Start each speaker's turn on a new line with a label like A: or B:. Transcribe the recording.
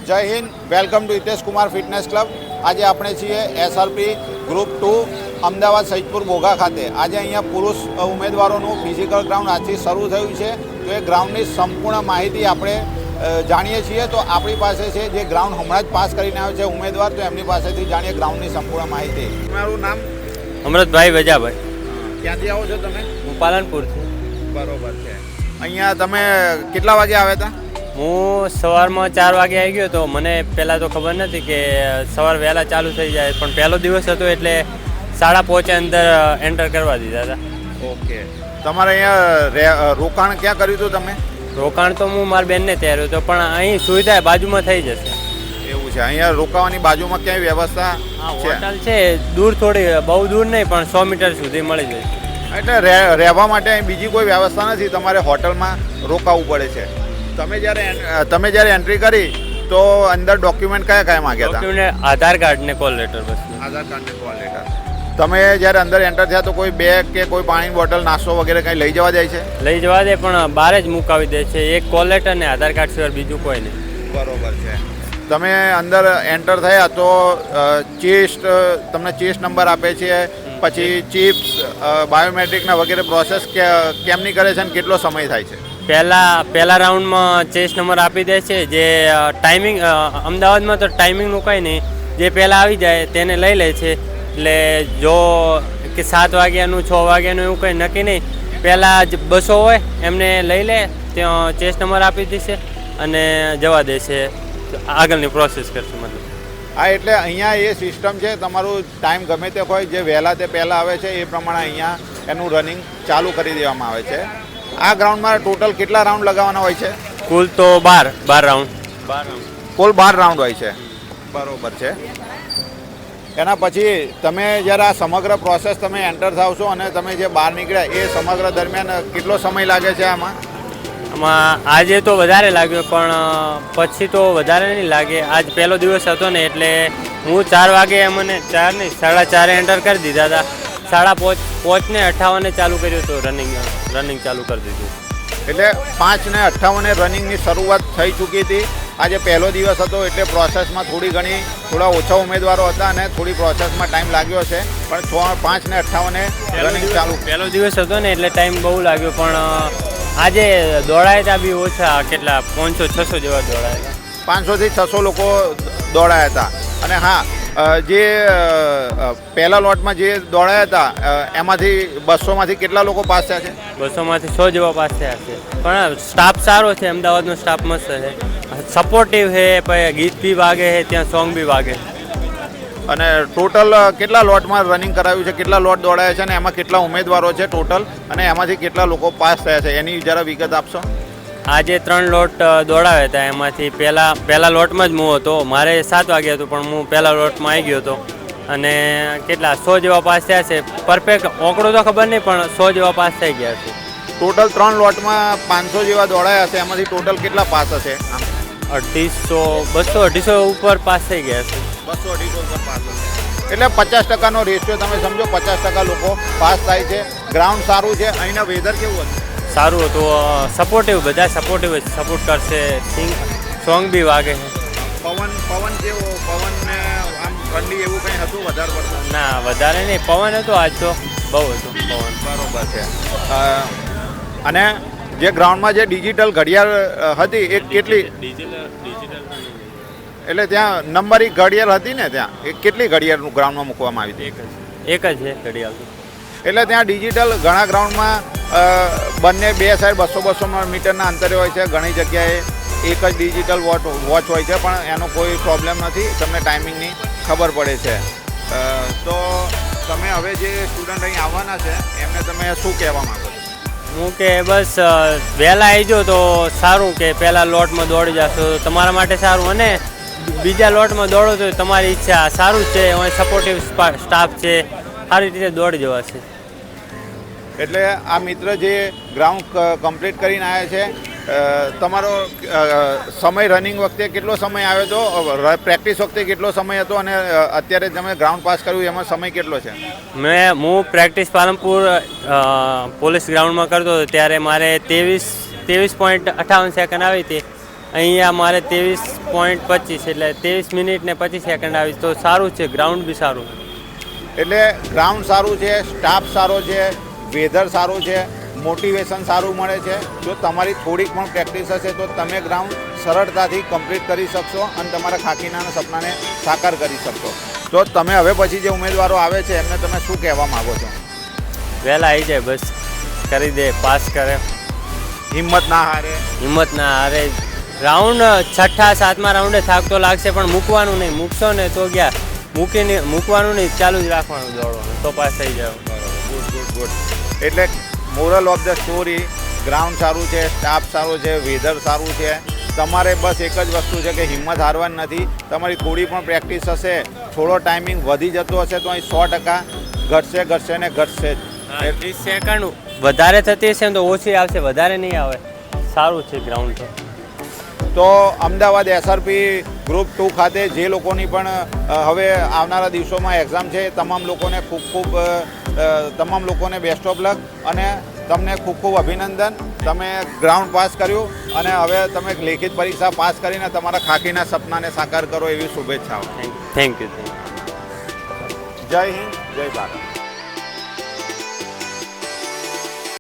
A: જય હિન્દ, welcome to Hitesh Kumar fitness club. આજે આપણે છીએ એસઆરપી ગ્રુપ 2 અમદાવાદ સૈદપુર બોઘા ખાતે. આજે અહીંયા પુરુષ ઉમેદવારોનું ફિઝિકલ ગ્રાઉન્ડ આજથી શરૂ થયું છે. તો એ ગ્રાઉન્ડની સંપૂર્ણ માહિતી આપણે જાણીએ છીએ. તો આપણી પાસે છે જે ગ્રાઉન્ડ હમણાં જ પાસ કરીને આવ્યો છે ઉમેદવાર, તો એમની પાસેથી જાણીએ ગ્રાઉન્ડની સંપૂર્ણ માહિતી. તમારું નામ?
B: અમૃતભાઈ વજાભાઈ.
A: ક્યાંથી આવો છો તમે?
B: હું પાલનપુરથી.
A: બરોબર છે. અહીંયા તમે કેટલા વાગે આવ્યા હતા?
B: હું સવારમાં 4 વાગે આવી ગયો. તો મને પહેલાં તો ખબર નથી કે સવાર વહેલા ચાલુ થઈ જાય, પણ પહેલો દિવસ હતો એટલે 5:30 અંદર એન્ટર કરવા દીધા હતા.
A: ઓકે. તમારે અહીંયા રોકાણ ક્યાં કર્યું હતું તમે?
B: રોકાણ તો હું મારી બેનને તૈયાર હતો, પણ અહીં સુવિધા બાજુમાં થઈ જશે.
A: એવું છે. અહીંયા રોકાવાની બાજુમાં ક્યાંય વ્યવસ્થા છે?
B: હોટલ છે, દૂર થોડી, બહુ દૂર નહીં, પણ 100 મીટર સુધી મળી જશે.
A: એટલે રહેવા માટે અહીં બીજી કોઈ વ્યવસ્થા નથી, તમારે હોટલમાં રોકાવું પડે છે. તમે જ્યારે એન્ટ્રી કરી તો અંદર ડોક્યુમેન્ટ કયા માંગ્યા હતા?
B: ડોક્યુમેન્ટ આધાર કાર્ડ ને કોલ લેટર. બસ
A: આધાર કાર્ડ ને કોલ લેટર. તમે જ્યારે અંદર એન્ટર થયા તો કોઈ બેગ કે કોઈ પાણીની બોટલ, નાસ્તો વગેરે કંઈ લઈ જવા જાય છે?
B: લઈ જવા દે, પણ બહાર જ મુકાવી દે છે. એક કોલ લેટર ને આધાર કાર્ડ સિવાય બીજું કોઈ નહીં.
A: બરોબર છે. તમે અંદર એન્ટર થયા તો તમને ચેસ્ટ નંબર આપે છે, પછી ચિપ્સ, બાયોમેટ્રિકના વગેરે પ્રોસેસ કેમની કરે છે અને કેટલો સમય થાય છે?
B: પહેલા રાઉન્ડમાં ચેસ્ટ નંબર આપી દે છે. જે ટાઈમિંગ અમદાવાદમાં તો ટાઈમિંગનું કંઈ નહીં, જે પહેલાં આવી જાય તેને લઈ લે છે. એટલે જો કે 7 વાગ્યાનું 6 વાગ્યાનું એવું કંઈ નક્કી નહીં, પહેલાં જ બસો હોય એમને લઈ લે, ત્યાં ચેસ્ટ નંબર આપી દેશે અને જવા દેશે, આગળની પ્રોસેસ કરશે. મતલબ
A: હા, એટલે અહીંયા એ સિસ્ટમ છે, તમારું ટાઈમ ગમે તે હોય, જે વહેલા તે પહેલાં આવે છે એ પ્રમાણે અહીંયા એનું રનિંગ ચાલુ કરી દેવામાં આવે છે. આ ગ્રાઉન્ડમાં ટોટલ કેટલા રાઉન્ડ લગાવવાના હોય છે?
B: કુલ તો 12 રાઉન્ડ.
A: કુલ 12 રાઉન્ડ હોય છે. બરોબર છે. એના પછી તમે જ્યારે આ સમગ્ર પ્રોસેસ તમે એન્ટર થાવ છો અને તમે જે બહાર નીકળ્યા એ સમગ્ર દરમિયાન કેટલો સમય લાગે છે આમાં?
B: આજે તો વધારે લાગ્યો, પણ પછી તો વધારે નહીં લાગે. આજ પહેલો દિવસ હતો ને, એટલે હું 4 વાગે, મને 4 નહીં 4:30 એન્ટર કરી દીધા હતા. 5:58 ચાલુ કર્યું હતું, રનિંગ ચાલુ કરી દીધું.
A: એટલે 5:58 રનિંગની શરૂઆત થઈ ચૂકી હતી. આજે પહેલો દિવસ હતો એટલે પ્રોસેસમાં થોડા ઓછા ઉમેદવારો હતા અને થોડી પ્રોસેસમાં ટાઈમ લાગ્યો છે, પણ 5:58 રનિંગ ચાલુ.
B: પહેલો દિવસ હતો ને એટલે ટાઈમ બહુ લાગ્યો, પણ આજે દોડાયા હતા બી ઓછા, કેટલા 500-600 જેવા દોડાયા હતા.
A: 500 થી 600 લોકો દોડાયા હતા. અને હા, જે પહેલા લોટમાં જે દોડાયા હતા એમાંથી 200માંથી કેટલા લોકો પાસ થયા છે?
B: 200માંથી 100 જેવા પાસ થયા છે. પણ સ્ટાફ સારો છે, અમદાવાદનો સ્ટાફ મસ્ત છે, સપોર્ટિવ છે, પછી ગીત બી વાગે છે, ત્યાં સોંગ બી વાગે.
A: અને ટોટલ કેટલા લોટમાં રનિંગ કરાવ્યું છે, કેટલા લોટ દોડાયા છે અને એમાં કેટલા ઉમેદવારો છે ટોટલ, અને એમાંથી કેટલા લોકો પાસ થયા છે એની જરા વિગત આપશો?
B: આજે 3 લોટ દોડાવ્યા હતા. એમાંથી પહેલા લોટમાં જ હું હતો. મારે 7 વાગે હતું, પણ હું પહેલા લોટમાં આવી ગયો હતો અને કેટલા 100 જેવા પાસ થયા છે. પરફેક્ટ આંકડો તો ખબર નહીં, પણ 100 જેવા પાસ થઈ ગયા છે.
A: ટોટલ 3 લોટમાં 500 જેવા દોડાયા હશે. એમાંથી ટોટલ કેટલા પાસ હશે?
B: 200-250 ઉપર પાસ થઈ ગયા છે.
A: 200-250 ઉપર પાસ હશે. એટલે 50%નો રેશિયો તમે સમજો, 50% લોકો પાસ થાય છે. ગ્રાઉન્ડ સારું છે. અહીંના વેધર કેવું હતું?
B: સારું હતું, સપોર્ટિવ, બધા સપોર્ટિવ સપોર્ટ કરશે. સોંગ બી વાગે છે.
A: પવન કેવો? પવનને આમ ઠંડી એવું કંઈ હતું વધારે પડતું?
B: ના, વધારે નહીં, પવન હતો આજ તો, બહુ હતું પવન.
A: બરોબર છે. અને જે ગ્રાઉન્ડમાં જે ડિજિટલ ઘડિયાળ હતી એ કેટલી? એટલે ત્યાં નંબરી ઘડિયાળ હતી ને, ત્યાં એ કેટલી ઘડિયાળનું ગ્રાઉન્ડમાં મૂકવામાં આવી હતી?
B: એક જ છે ઘડિયાળ.
A: એટલે ત્યાં ડિજિટલ ઘણા ગ્રાઉન્ડમાં બંને બે સાઈડ 200-200 મીટરના અંતરે હોય છે. ઘણી જગ્યાએ એક જ ડિજિટલ વોચ હોય છે, પણ એનો કોઈ પ્રોબ્લેમ નથી, તમને ટાઈમિંગની ખબર પડે છે. તો તમે હવે જે સ્ટુડન્ટ અહીં આવવાના છે એમને તમે શું કહેવા માગો છો?
B: હું કે બસ વહેલા આવી જાઓ તો સારું, કે પહેલાં લોટમાં દોડી જશો તો તમારા માટે સારું, અને બીજા લોટમાં દોડો તો તમારી ઈચ્છા. સારું છે, સપોર્ટિવ સ્ટાફ છે, સારી રીતે દોડી જવાશે.
A: એટલે આ મિત્ર જે ગ્રાઉન્ડ કમ્પ્લીટ કરીને આવ્યા છે, તમારો સમય રનિંગ વખતે કેટલો સમય આવ્યો હતો, પ્રેક્ટિસ વખતે કેટલો સમય હતો, અને અત્યારે તમે ગ્રાઉન્ડ પાસ કર્યું એમાં સમય કેટલો છે?
B: હું પ્રેક્ટિસ પાલનપુર પોલીસ ગ્રાઉન્ડમાં કરતો હતો ત્યારે મારે 23.58 સેકન્ડ આવી હતી, અહીંયા મારે 23.25 એટલે 23 મિનિટ ને 25 સેકન્ડ આવી તો સારું છે, ગ્રાઉન્ડ બી સારું.
A: એટલે ગ્રાઉન્ડ સારું છે, સ્ટાફ સારો છે, વેધર સારું છે, મોટિવેશન સારું મળે છે. જો તમારી થોડીક પણ પ્રેક્ટિસ હશે તો તમે ગ્રાઉન્ડ સરળતાથી કમ્પ્લીટ કરી શકશો અને તમારા ખાખીના સપનાને સાકાર કરી શકશો. તો તમે હવે પછી જે ઉમેદવારો આવે છે એમને તમે શું કહેવા માગો છો?
B: વહેલા આવી જાય, બસ કરી દે, પાસ કરે,
A: હિંમત ના હારે.
B: હિંમત ના હારે. રાઉન્ડ 6થા 7મા રાઉન્ડે થાક તો લાગશે પણ મૂકવાનું નહીં, મૂકશો ને તો ગયા, મૂકવાનું નહીં, ચાલુ જ રાખવાનું દોડવાનું તો પાસ થઈ જાવ.
A: Good good good. એટલે moral of the story, ground સારું છે, સ્ટાફ સારો છે, વેધર સારું છે. તમારે બસ એક જ વસ્તુ છે કે હિંમત હારવાની નથી. તમારી થોડી પણ પ્રેક્ટિસ હશે, થોડો ટાઈમિંગ વધી જતો હશે તો અહીં 100% ઘટશે ને ઘટશે જ.
B: 30 સેકન્ડ વધારે થતી હશે ને તો ઓછી આવશે, વધારે નહીં આવે. સારું છે ગ્રાઉન્ડ
A: તો અમદાવાદ એસઆરપી ગ્રુપ 2 ખાતે જે લોકોની પણ હવે આવનારા દિવસોમાં એક્ઝામ છે તમામ લોકોને બેસ્ટ ઓફ લક અને તમને ખૂબ ખૂબ અભિનંદન. તમે ગ્રાઉન્ડ પાસ કર્યું અને હવે તમે લેખિત પરીક્ષા પાસ કરીને તમારા ખાખીના સપનાને સાકાર કરો એવી શુભેચ્છાઓ.
B: Thank you.
A: જય હિન્દ, જય ભારત.